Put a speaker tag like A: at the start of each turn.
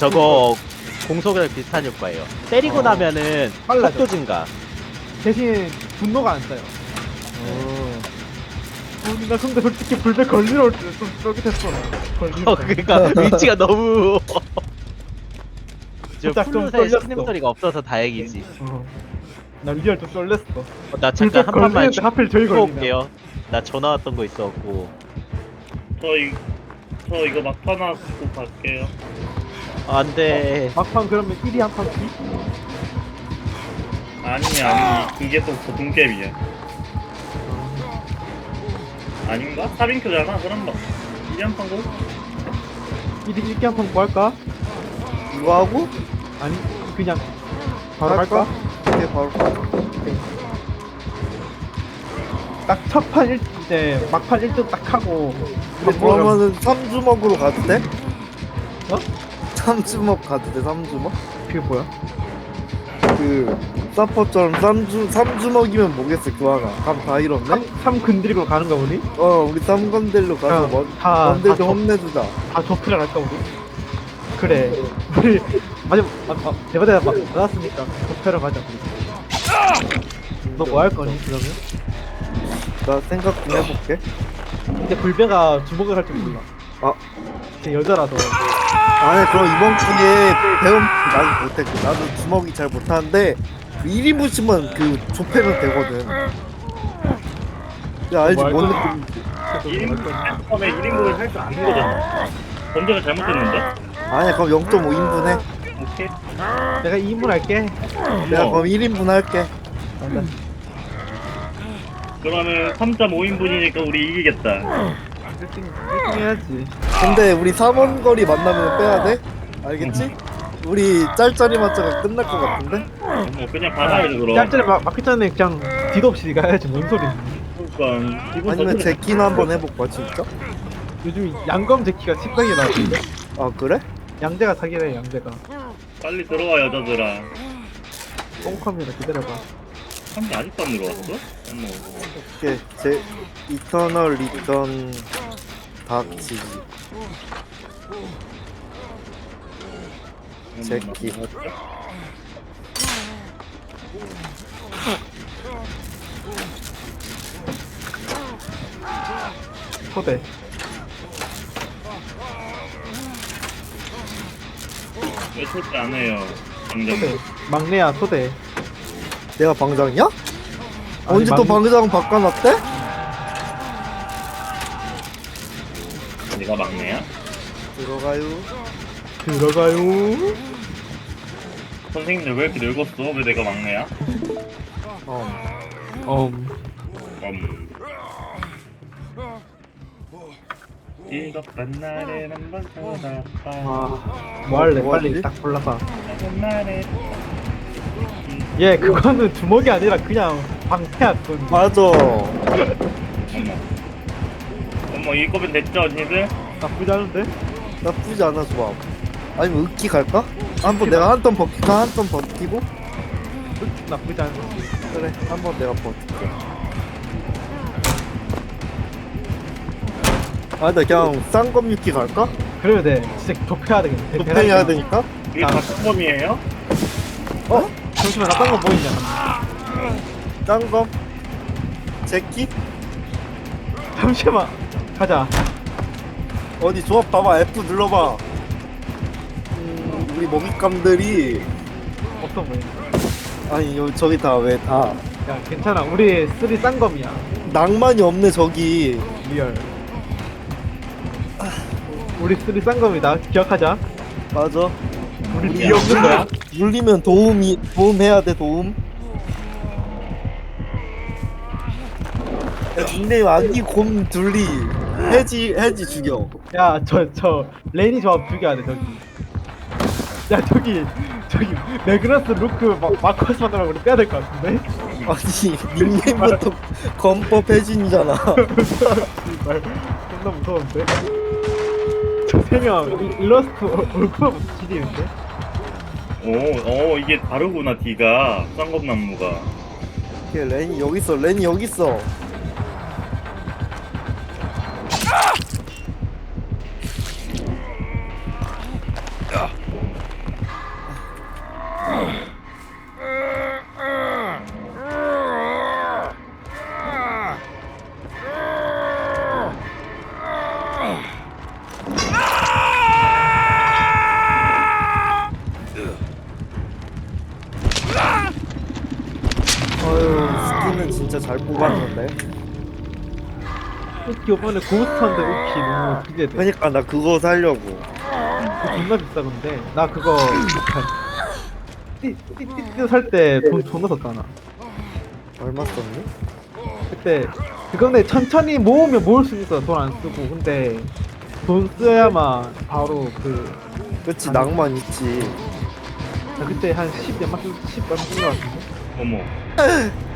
A: 저거 공속이랑 비슷한 효과예요. 때리고 나면은
B: 빨라져.
A: 속도 증가.
B: 대신 분노가 안 써요. 나 근데 솔직히 불배 걸리러 올 때 좀 쫄깃했어. 걸리러.
A: 그러니까 위치가 너무. 저
B: 살짝 좀
A: 플룻에
B: 떨렸어.
A: 스냅 소리가 없어서 다행이지.
B: 난 리얼 좀 쫄렸어.
A: 나
B: 불배
A: 잠깐 한 판만
B: 걸리는데 하필 저희
A: 쉬고
B: 걸리네.
A: 올게요. 나 전화 왔던 거 있어갖고.
C: 저 이거 막판 하고 갈게요.
A: 안돼.
B: 막판 그러면 1위 한 판씩?
C: 아니 그게 또 고등갭이야. 아닌가? 4인큐잖아. 그럼 막 1년 판고
B: 1위 1기 한 판 뭐 할까?
D: 이거 하고
B: 아니 그냥 바로 갈까?
D: 이렇게 바로
B: 딱 첫 판 이제 막판 1등 딱 하고
D: 그러면은 3주먹으로 가도 돼?
B: 어?
D: 3주먹 가도 돼? 3주먹?
B: 그게 뭐야?
D: 그 사퍼처럼 3주먹이면 뭐겠어 교환아. 감 다 잃었네?
B: 3 건드리고 가는가 우리?
D: 우리 3건들로 가서 뭐
B: 다
D: 건들 좀 혼내주자.
B: 조프를 할까 우리? 그래 우리 대바대가 막 받았으니까 조프를 가자 우리. 너 뭐 할 거니 그러면?
D: 나 생각 좀 해볼게.
B: 근데 불배가 주먹을 할 줄 몰라.
D: 아.
B: 쟤 여자라서.
D: 아니 그럼 이번 기회에 배움 나도 못해. 나도 주먹이 잘 못하는데 1인분씩만 그 좁히면 되거든. 야 알지
B: 뭐
D: 뭔
B: 할
D: 느낌인지.
C: 1인분 처음에 1인분을 할 줄 아는 거잖아. 전제가 잘못됐는데?
D: 아니 그럼 0.5인분 해.
C: 오케이.
B: 내가 2인분 할게.
D: 내가 그럼 1인분 할게.
C: 그러면 3.5인분이니까 우리 이기겠다.
B: 1등 해야지.
D: 근데 우리 3원 거리 만나면 빼야 돼? 알겠지? 우리 짤짤이 맞자가 끝날 것 같은데?
C: 뭐 그냥 받아야지 그럼.
B: 짤짤이 막기 전에 그냥 뒤도 없이 가야지 뭔 소리.
C: 그러니까 기분
D: 아니면
C: 탓은-
D: 제키나 한번 해볼까 진짜?
B: 요즘 양검 제키가 식당에 나왔는데.
D: 아 그래?
B: 양재가 사기래 양재가.
C: 빨리 들어와 여자들아.
B: 똥컴이라 기다려봐.
C: 한개 아직도 안 들어왔어? 어머.
D: 오케이 제 이터널 리턴 닥치기. 제키.
B: 초대.
C: 왜 절대 안 해요?
B: 초대.
C: 당장.
B: 막내야 초대.
D: 내가 방장이야?
B: 아니,
D: 언제 또
B: 막-
D: 방장 바꿔놨대?
C: 네가 막내야?
D: 들어가요.
B: 들어가요.
C: 선생님들 왜 이렇게 늙었어? 왜 내가 막내야? 즐겁던 날엔 한번 찾아봐.
B: 뭐 할래?
D: 뭐
B: 빨리
D: 하지?
B: 딱 골라봐.
C: 작은 날에
B: 얘 그거는 주먹이 아니라 그냥 방패야 그건.
D: 맞아.
C: 어머. 어머 이 거면 됐죠 언니들?
B: 나쁘지 않은데?
D: 나쁘지 않아 좋아. 아니면 으키 갈까? 한번 내가 한 턴 버티까 한 턴 버티고
B: 나쁘지 않은데.
D: 그래 한번 내가 버틸게. 아나 그냥 쌍검 유키 갈까?
B: 그래도 돼. 진짜 좁혀야 되겠네.
D: 도팽해야 되니까.
C: 이게 같은 범이에요?
D: 어?
B: 잠시만 나딴 거 보이냐?
D: 쌍검 제키
B: 잠시만. 가자.
D: 어디 조합 봐봐. F 눌러봐. 우리 먹잇감들이
B: 없어 보여.
D: 아니 여기 저기 다 왜 다
B: 야 괜찮아. 우리 쓰리 쌍검이야.
D: 낭만이 없네 저기.
B: 리얼. 우리 쓰리 쌍검이다. 기억하자.
D: 맞아.
B: 우리 뒤에 없는 거야.
D: 눌리면 도움해야 돼 도움. 야, 닉네임 아기 곰 둘리 해지 죽여.
B: 야 저 레인이 조합 죽여야 돼 저기. 야 저기 매그너스 루크 마커스 만나면 우리 빼야 될 것 같은데?
D: 아니 닉네임부터 검법 해진이잖아.
B: 정말 존나 무서운데? 저 세 명 일러스트 얼굴만 지리는데?
C: 오 이게 다르구나 D가 쌍검나무가.
D: 걔 렌이 여기 있어. 렌이 여기 있어. 잘 뽑았는데.
B: 이번에 고스트한데 오키 너무 기대돼.
D: 그러니까 나 그거 살려고.
B: 존나 비싸 근데 나 그거 띠띠띠 살 때 돈 존나 썼잖아.
D: 얼마 썼니?
B: 그때 그건데 천천히 모으면 모을 수 있어. 돈 안 쓰고. 근데 돈 써야만 바로
D: 그치 낭만 있지.
B: 나 그때 한 10몇만 쓴 것 같은데.
C: 어머.